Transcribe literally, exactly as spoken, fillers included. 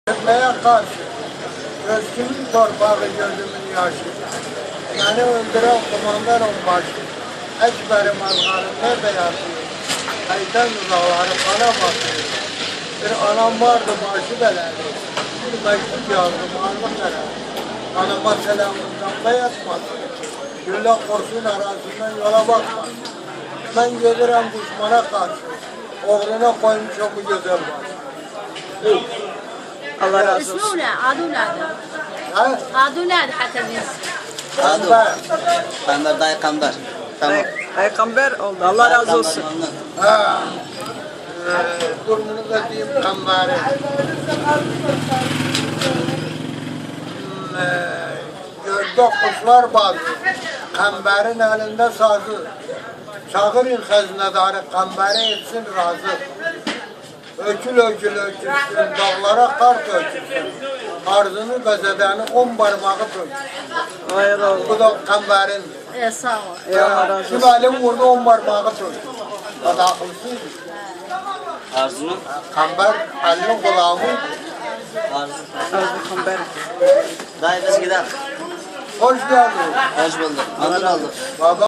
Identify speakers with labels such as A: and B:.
A: Neye karşı? Gözümün torpağı gözümün yaşı. Beni öldüren kumandan onbaşı. Ekberim azgarım nerede yatıyor? Kaytan uzakları bana bakıyor. Bir anam vardı başı beledi. Bir mektup yazdım alnım nerede? Anama selamından da yatmadı. Gülle kurşun arasından yola bakmadı. Ben gelirim düşmana karşı. Oğluna koymuşum bu güzel başı.
B: Allah razı olsun.
C: اسمه ولا عاد ولاد
A: Ha?
C: عاد ولاد حتى بيز
A: Kamber.
D: Kamber dayı kamber. Tamam.
B: Pey- Peygamber oldu. Allah razı olsun.
D: Kamber,
A: Ha. Ee, Durumunu da diyeyim kamberi. Hmm, e, Gördük kuşlar bazı. Kamberin elinde sazı. Çağırın hazinedarı kamberi etsin razı. Ökül ökül ökülsün, dağlara kar dökülsün. Arzını gazedeni on parmağı dökülsün.
B: Vay Allah.
A: Bu da kamberin.
C: يا صاوة
B: Ya Allah razı
A: Şu
B: olsun.
A: elim vurdu on parmağı dökülsün. O da akılsız.
D: Arzu'nun
A: Kamber elinin kulağımı.
D: Arzu.
B: Peygamber.
D: Dayı biz gidelim.
A: Hoş geldin.
D: Hoş bulduk. Anır aldık.
A: Baba.